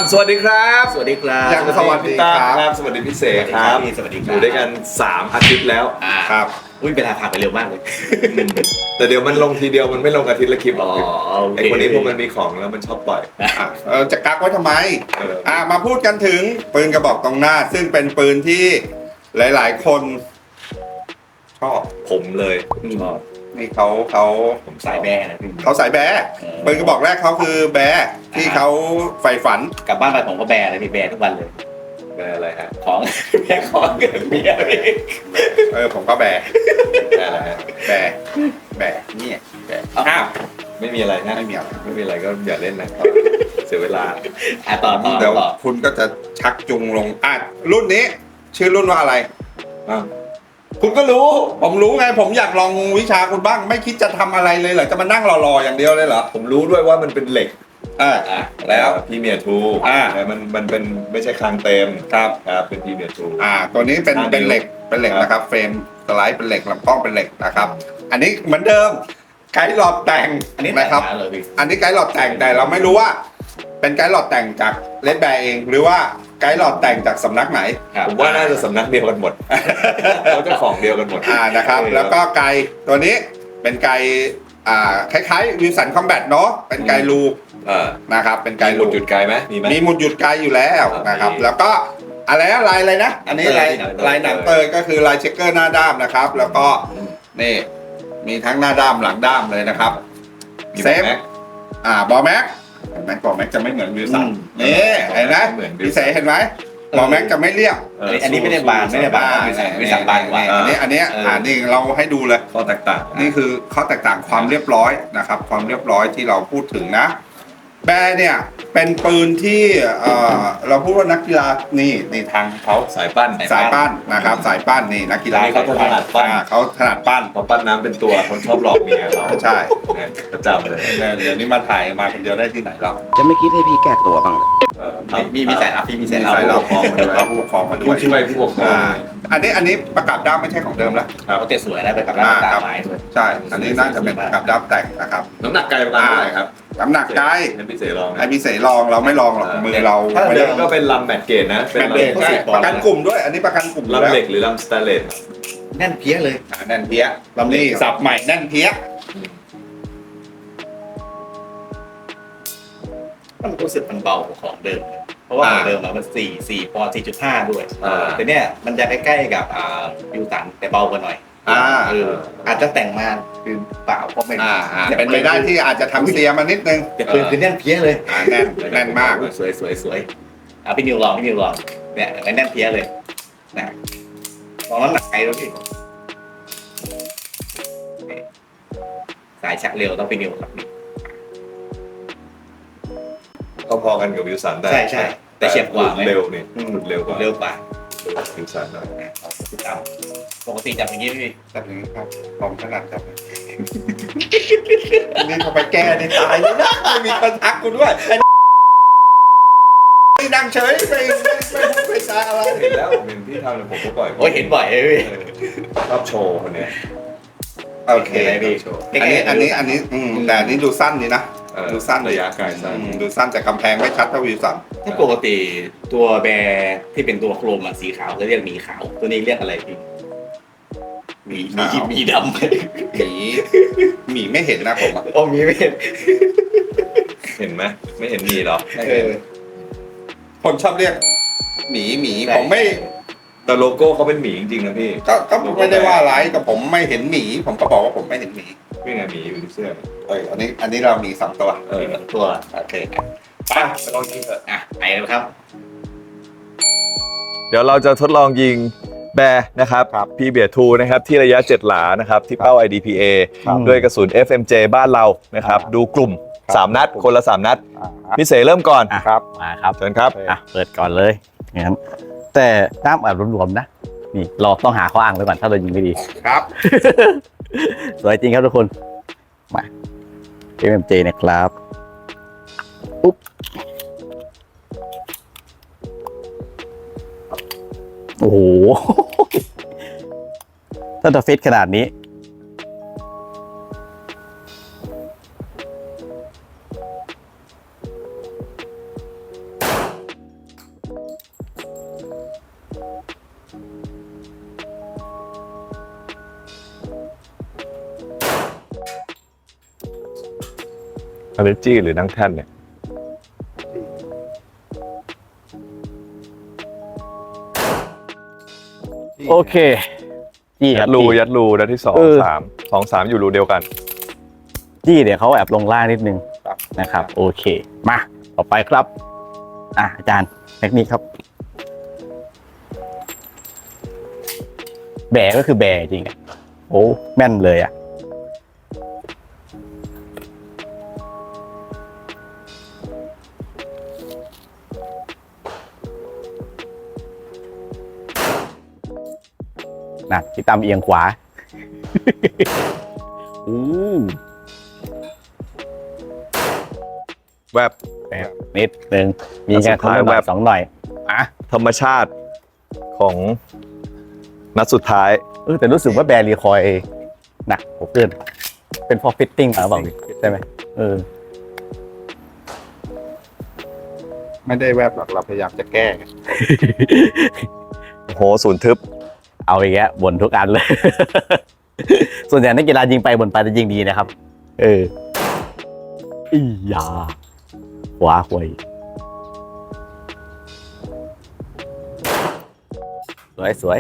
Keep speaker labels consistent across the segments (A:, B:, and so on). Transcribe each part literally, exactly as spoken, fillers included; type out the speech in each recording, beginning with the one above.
A: สวัสดีครับ
B: สวัสดีครับ
A: ยังสวัสดีครับสวัสดีพิเศษครับ
B: สวัสดีครับ
A: อยู่ด้วยกันสามอาทิตย์แล้ว
B: ครับอุ้ยเวลาผ่านไปเร็วมากเลย
A: แต่เดี๋ยวมันลงทีเดียวมันไม่ลงอาทิตย์ละคลิปหรอก
B: อ๋อโอเค
A: ไอคนนี้พวกมันมีของแล้วมันชอบปล่อย
C: เออจะกักไว้ทำไม
A: เออ
C: อ่ามาพูดกันถึงปืนกระบอกตรงหน้า ซึ่งเป็นปืนที่หลายๆคนชอบ
A: ผมเลยชอบ
C: นี่เขาเขา
B: ผมสายแบร์นะพี่
C: เขาสายแบร์
B: เออ
C: ปืนกระบอกแรกเขาคือแบร์ที่เขาใฝ่ฝัน
B: กลับบ้านไปผมก็แบร์เลยพี่แบร์ทุกวันเลย
A: แบร์อะไรฮะ
B: ของ แบร์ของเกิดเมียพี่
C: เออผมก็แบร์
A: แบร์อะไรฮะ
C: แบร์แบร์นี่แบร์
B: อ้าว
A: ไม่มีอะไรนะ
C: ไม่มีอะไร
A: ไม่มีอะไรก็อย่าเล่นนะเสียเวลา
B: อ่ะต่อต่อ
C: เดี๋ยว
B: ต่อ
C: คุณก็จะชักจูงลงอ่ะรุ่นนี้ ชื่อรุ่นว่าอะไร
A: อ้าวคุณก็รู้
C: ผมรู้ไงผมอยากลองวิชาคุณบ้าง ไม่คิดจะทำอะไรเลยเหรอจะมานั่งรอๆอย่างเดียวเลยเหรอ
A: ผมรู้ด้วยว่ามันเป็นเหล็ก
C: เออ
B: อ่ะ
C: แล้ว
A: พี่เมียทู
C: อ่า
A: แต่มันมันเป็นไม่ใช่คางเต็ม
C: ครับ
A: ครับเป็นพี่เมียทู
C: อ่าตัวนี้เป็น
A: ห้านิ้ว
C: เป็นเหล็กเป็นเหล็ก
A: ครับ
C: นะครับเฟรมสไลด์เป็นเหล็กลำกล้องเป็นเหล็กนะครับ อันนี้เหมือนเดิมไกด์หลอดแต่ง
B: อันนี้
C: นะครับ
B: แต่งมาเลยพี่
C: อันนี้ไกด์หลอดแต่งแต่เราไม่รู้ว่า เป็นไกด์หลอดแต่งจากเลดแบร์เอง หรือว่าไกด์หลอดแต่งจากสำนักไหน
B: ครับ
A: ผมว่าน่าจะสำนักเดียวกันหมด เขาเจ้าของเดียวกันหมด
C: อ่านะครับ แล้วก็ไกด์ตัวนี้เป็นไกด์อ่าคล้ายๆวิวสันคอมแบทเนาะเป็นไกด์ลู
A: เออ
C: นะครับเป็นไก
A: ไกล
C: ด์
A: หลุ
C: ลู
A: ดจุดไกลไหมมีไหม
C: มีหมุดหยุดไกด์อยู่แล้วนะครับ
A: มี
C: แล้วก็อะไรนะลายอะไรนะอันนี้ลายลายหนังเตยก็คือลายเช็คเกอร์หน้าด้ามนะครับ แล้วก็นี่มีทั้งหน้าด้ามหลังด้ามเลยนะครับ
A: มี
C: เซฟ
A: แม็ก
C: อ่าบอแม็กเห็นไหมบอแม็กจะไม่เหมือนวิวสัน
B: อืม
C: นี่เห็นไหม
A: เหมือน
C: พี่เสเห็นไหมบอแม็กจะไม่เรียบ
A: เ
B: อันนี้อันนี้ไม่ได้บานไม่ได้บานไม่ใช่ไม่สับบานกว่า
C: อันนี้อันนี้
B: เอออ่
C: อ่านี่เราให้ดูเลย
A: ข้อแตกต่าง
C: นี่คือข้อแตกต่างความเรียบร้อยนะครับ ความเรียบร้อยที่เราพูดถึงนะ แบร์เนี่ยเป็นปืนที่เอ่อเราพูดว่านักกีฬานี่นี่ทางเขา
A: สายปั้น
C: สายปั้นนะครับ สายปั้นนี่นักกีฬา
A: อันนี้เขาถนัดปั้น
C: อ่าเขาถนัดปั้น
A: พอปั้นน้ำเป็นตัวคนชอบหลอกเมียเรา
C: ใช่
A: เนี่ยประจำเลย
C: เนี่ยเดี๋ยวนี้มาถ่ายมาคนเดียวได้ที่ไหนเรา
D: จะไม่คิดให้พี่แก้ตัวบ้างเลย
A: เออ
B: มีมีมีสายลับพี่มีสายลับ
C: ใส่เรา
A: ผู้ปกครองมาด้วย
C: เราผู้ปกครองมาด้
A: ผู้
C: วย
A: ช่วยผู้ปกครอง
C: อ่าอันนี้อันนี้ประกับด้ามไม่ใช่ของเดิมแล้ว
B: เขาเตะสวยนะไปกับร้านตาไม้ด้วย
C: ใช่ อันนี้น่าจะเป็นประกับด้ามแต่งนะครับ
A: น้ำหนักไกลประมาณเท่าไหร่ครับ
C: น้ำหนักไกล
A: ให้พี่เสลอง
C: ไอพี่เสลองเราไม่ลองหรอกมือเรา
A: ถ้า
C: ไม่
A: เดิ
C: ได้
A: มก็เป็นลำแมตเกตนะเป็น
C: แมนเดช
A: ลำ
C: ใช่ประกันกลุ่มด้วย อันนี้ประกันกลุ่มอยู่
A: ลำ
C: แล้ว
A: เหล็กหรือลำสแตนเลส
B: แน่นเพี้ยเลย
C: อ่าแน่นเพี้ยลำนี้สับใหม่แน่นเพี้ย
B: มันรู้สึกมันเบากว่าของเดิม เพราะว่าของเดิมมันสี่สี่ปอนด์สี่จุดห้าด้วยแต่เนี่ยมันจะใกล้ๆกับอ่ายูตันแต่เบากว่าหน่อย
C: อ่า
B: เอออาจจะแต่งมาคือเปล่าก็ไม่
C: อ่าอ่าเป็นไปได้ที่อาจจะทำเสียมานิดนึง
B: แต่ปืนคือแน่นเพี้ยเลย
C: อ่าแน่นแน่นมาก
B: สวยสวยสวยอ่ะพี่นิวลองพี่นิวลองเนี่ยแน่นเพี้ยเลยนะลองน้ำหนักไกลดูพี่นี่สายชักเร็วต้องพี่นิวครับนี่
A: ก็พอกันกับวิวสันได้
B: ใช่ใช่แต่เฉียบกว่าไหม
A: เร็วนี่หลุดเร็วกว่า
B: เร็วกว่า
A: วิวสันหน่อย
B: พี่ตามปกติจับอย่างนี้พี่
C: แบบนี้ครับผมถนัดครับนี่เขาไปแก้นี่ตายเลยนะไม่มีคนทักกูด้วยไอ้นี่นั่งเฉยไม่ไม่ไม่พูดไม่จาอะไร
A: เห็นแล้วเห็นที่ทำเนี่ยผมก็ปล่อย
B: โอ้ยเห็นบ่อยเลยพี่
A: เออชอบโชว์คนเนี้ย
C: โอเค
B: เห็นไหมพี่
A: โชว์
C: อันนี้อันนี้อันนี้อืมแต่อันนี้ดูสั้นดีนะ
A: เออ
C: ดูสั้น
A: ระยะไกลสั้น
C: อืมดูสั้นแต่กำแพงไม่ชัดเท่าวิวสัน
B: ถ้าปกติตัวแบร์ที่เป็นตัวโครมอะสีขาวจะเรียกหมีขาว ตัวนี้เรียกอะไรพี่หมีหมีหมีดำ
C: หมีหมีไม่เห็นนะผมอะ
B: โอ้หมีไม่เห็น
A: เห็นไหมไม่เห็นมีหรอ
C: เออคนชอบเรียกหมีหมี
B: ใช่
C: ผมไม่
A: แต่โลโก้เขาเป็นหมีจริงๆนะพี่
C: ก็ก็ไม่ได้ว่าอะไรแต่ผมไม่เห็นหมี ผมก็บอกว่าผมไม่เห็นหมี
A: นี่ไงหมีอยู่ที่เสื้อ
C: เอออันนี้อันนี้เรามีสองตัว
A: เออ
B: ตัว
C: โอเค
A: ไปไปลองยิงเถอะ
B: อ่ะไปเลยครับ
A: เดี๋ยวเราจะทดลองยิงแบร์นะครับ พี เบียร์ ทูนะครับที่ระยะเจ็ดหลานะครับที่เป้า ไอ ดี พี เอ ด้วยกระสุน เอฟ เอ็ม เจ บ้านเรานะครับดูกลุ่มสามนัดคนละสามนัดพี่เสเริ่มก่อน
D: ครับมาครับ
A: เชิญครับ
D: อ่ะเปิดก่อนเลยงั้นแต่น้ำอัดรวมๆนะนี่เราต้องหาข้ออ้างไว้ก่อนถ้าเรายิงไม่ดี
C: ครับ
D: สวยจริงครับทุกคนมา เอ็ม เอ็ม เจ นะครับปุ๊บโอ้โห ถ้าจะฟิตขนาดนี้
A: Energy หรือนั่งแท่นเนี่ย
D: โอเคจี้ค
A: ยั
D: รับ
A: ดรู
D: จี้
A: ยัดรูนัดที่สอง
D: เออ
A: สามสองสามอยู่รูเดียวกัน
D: จี้เดี๋ยวเขาแอบลงล่างนิดนึง
C: ครับ
D: นะครับ โอเค มาต่อไปครับ อ่ะอาจารย์เทคนิคครับ แบก็คือแบจริงอ่ะโอ้แม่นเลยอ่ะ นะพี่ตามเอียงขวา อู้
A: แวบ
D: แบบนิดนึง มี
A: แล้วสุ
D: แค่
A: ดท้าย
D: คนละหน่
A: แว
D: อย
A: บ
D: สองหน่อย อ่ะ
A: ธรรมชาติของนัดสุดท้าย
D: เออแต่รู้สึกว่าแบรีคอยหนักกว่าเพื่อนเป็นพอฟิตติ้งหรือเปล่าใช่ไหมเออ
C: ไม่ได้แวบหรอกเราพยายามจะแก้ไง
A: โอ้โหศูนย์ทึบ
D: เอาอีกแล้วบ่นทุกอันเลย ส่วนใหญ่นักกีฬายิงไปบ่นไปจะยิงดีนะครับ เอออียาขวาหวย สวยสวย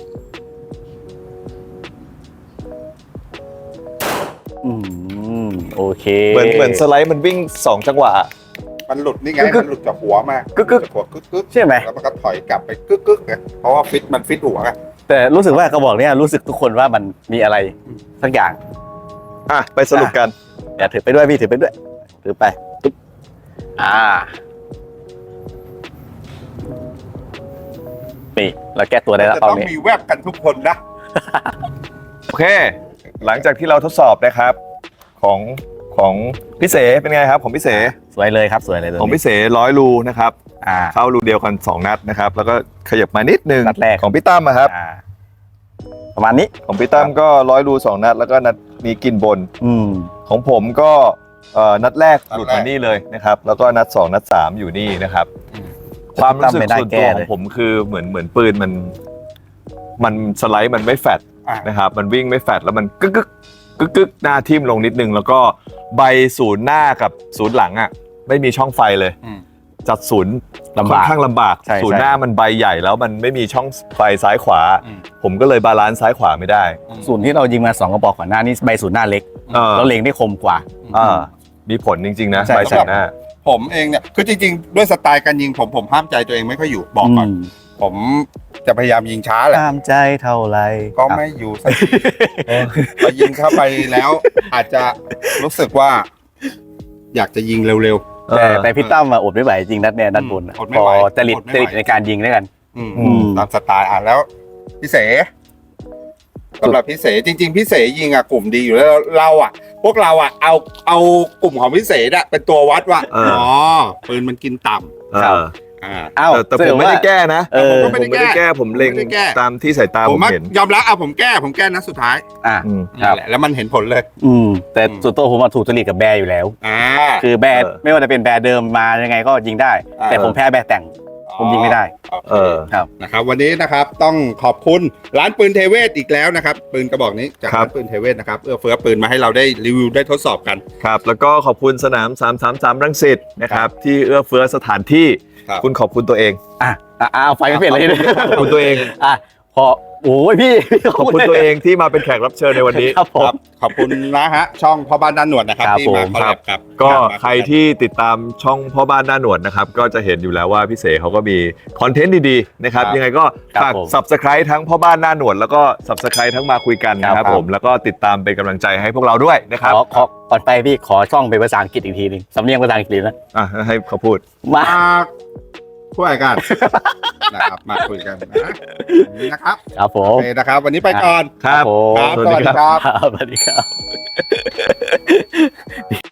D: อืมโอเค
A: เหมือนเหมือนสไลด์มันวิ่งสองจังหวะ
C: มันหลุดนี่ไง
A: กึก
C: มันหลุดจากหัวมาก
A: กึกกึก
C: จากหัวกึกกึก
D: ใช่ไหม
C: แล้วมันก็ถอยกลับไปกึกกึกไงเพราะว่าฟิตมันฟิตหัวไง
D: แต่รู้สึกว่ากระบอกเนี้ยรู้สึกทุกคนว่ามันมีอะไรสักอย่าง
A: อ่ะ ไปสรุปกัน
D: เดี๋ยวถือไปด้วยพี่ถือไปด้วย ถือไปตุ๊บอ่านี่เราแก้ตัวได้แล้ว
C: จะ
D: ตอน
C: ต้อง
D: นี้
C: มีแวบกันทุกคนนะ
A: โอเค หลังจากที่เราทดสอบนะครับ ของของพี่เสเป็นไงครับ ของพี่เส
D: สวยเลยครับสวยเลยตัว
A: ของ
D: นี้
A: พี่เสร้อยรูนะครับ
D: อ่า
A: เข้ารูเดียวกันสองนัดนะครับ แล้วก็ขยับมานิดนึง
D: นัดแรก
A: ของพี่ตั้มอะครับ
D: อ่าประมาณนี้
A: ของพี่ตั้มก็ร้อยรูสองนัด แล้วก็นัดนี้กินบน
D: อืม
A: ของผมก็เอ่อนัดแรกหลุดมานี่เลยนะครับ แล้วก็นัดสองนัดสามอยู่นี่นะครับ ความรู้สึก
D: ไม่ได้
A: ส่วน
D: แก้
A: ตัวข
D: เล
A: อย งผมคือเหมือนเหมือนปืนมัน มันสไลด์มันไม่แฟต
C: อ่ะ
A: นะครับ มันวิ่งไม่แฟตแล้วมันกึกกึกกึกกึกหน้าทิ่มลงนิดนึง แล้วก็ใบศูนย์หน้ากับศูนย์หลังอ่ะไม่มีช่องไฟเลย
C: อืม
A: จัดศูนย์
D: ลำ
A: ค่อบ
D: าน ก
A: ข้างลำบาก
D: ใช่
A: ศูนย์
D: ใช่
A: หน้ามันใบใหญ่แล้วมันไม่มีช่องไฟซ้ายขวา
C: อืม
A: ผมก็เลยบาลานซ์ซ้ายขวาไม่ได้
D: ศูนย์ที่เรายิงมาสองกระบอกก่อนหน้านี้ใบศูนย์หน้าเล็ก
A: เออ
D: แล้วเล็งได้คมกว่า
A: อ่ามีผลจริง ๆ นะ
D: ใช่
A: ใบศูนย์หน้า
C: ผมเองเนี่ยคือจริงๆ ด้วยสไตล์การยิงผมผมห้ามใจตัวเองไม่ค่อยอยู่บอกก่อน
D: ม
C: ผมจะพยายามยิงช้าแหละ
D: ตามใจเท่าไร
C: ก็ไม่อยู่สักทีพอยิงเข้าไปแล้ว อาจจะรู้สึกว่า อยากจะยิงเร็ว
A: เอ
D: แต่
A: อ
D: แต่พี่ตั้มมาอดไม่ไหวจริงนัดเนี่ยนัดบนอะ
C: อดไม่
D: พอ
C: ไหว
D: จริต
C: อดไม่
D: จ
C: ไหว
D: ริตในการยิงด้วยกัน
C: ๆอืม
D: อืม
C: ตามสไตล์อ่ะแล้วพี่เสสำหรับพี่เสจริง ๆพี่เสยิงอ่ะกลุ่มดีอยู่แล้วเราอ่ะ พวกเราอ่ะเอาเอากลุ่มของพี่เสอ่ะเป็นตัววัดว่า
A: เอออ๋
C: อ๋อปืนมันกินต่
A: เออ
C: ำอ่า
D: อ้าว
A: แต่แต่ผมไม่ได้แก้นะ
D: เออ
A: ผมไม่ได้แก้ผมเล็ง
C: ผมไม่ได้แก้
A: ตามที่สายตา
C: ผ
A: ผม ม
C: ว่า
A: เห็น
C: ยอมรับอ่ะผมแก้ผมแก้นัดสุดท้าย
D: อ่ะ
A: อืม
D: ครับ
C: นั่นแหละแล้วมันเห็นผลเลย
D: อืมแต่
C: อืม
D: ส่วนตัวผมมาถูกจริตกับแบร์อยู่แล้ว
C: อ่า
D: คือแบร์
A: เออ
D: ไม่ว่าจะเป็นแบร์เดิมมายังไงก็ยิงได้
C: อ่า
D: แต่ผมแพ้แบร์แต่ง ผมยิงไม่ได้
C: โอเค
A: เออ
D: ครับ
C: นะครับวันนี้นะครับต้องขอบคุณร้านปืนเทเวศอีกแล้วนะครับปืนกระบอกนี้จาก
A: ครั
C: ร้า
A: บ
C: นปืนเทเวศนะครับเอื้อเฟื้อปืนมาให้เราได้รีวิวได้ทดสอบกัน
A: ครับ แล้วก็ขอบคุณสนาม สามสามสาม รังสิตนะครับ ที่เอื้อเฟื้อสถานที่
C: ครับ
A: คุณขอบคุณตัวเอง
D: อ่ะอ่ะอ่ะเอาไฟไม่เป็นเลย
A: ขอบคุณตัวเอง
D: อ่ะพอโอ้ยพี่พี่
A: ขอบคุณตัวเองที่มาเป็นแขกรับเชิญในวันนี้
D: ครับผ
C: ครั
D: ม
C: บขอบคุณนะฮะช่องพ่อบ้านด้านหนวดนะครับ
D: ครับ
C: ที่มา
D: ผม
C: คอลแลบกับ
A: ก็
C: มา
A: ใครที่ติดตามช่องพ่อบ้านหน้าหนวดนะครับ ก็จะเห็นอยู่แล้วว่าพี่เสเขาก็มีคอนเทนต์ดีๆนะครับ ยังไงก็
D: ครับ
A: ฝาก
D: ผม
A: Subscribe ทั้งพ่อบ้านหน้าหนวดแล้วก็ Subscribe ทั้งมาคุยกันนะค
D: ครั
A: รับบ ผม แล้วก็ติดตามเป็นกำลังใจให้พวกเราด้วยนะครับ
D: ขอขอก่อนไปพี่ขอช่องเป็นภาษาอังกฤษอีกทีหนึงสำเนียงภาษาอังกฤษนะ
A: อ่ะให้เขาพูด
D: มา
C: มาคุยกันนะครับมาคุยกันนะอย่างนี้นะครับ
D: ครับผ
C: โอ
D: ม
C: เคนะครับ วันนี้ไปก่อน
A: ครับ
D: ผม
C: ครับ
A: สวัสดีครับ
C: สวัสดีครับ
D: ครับสวัสดีครับ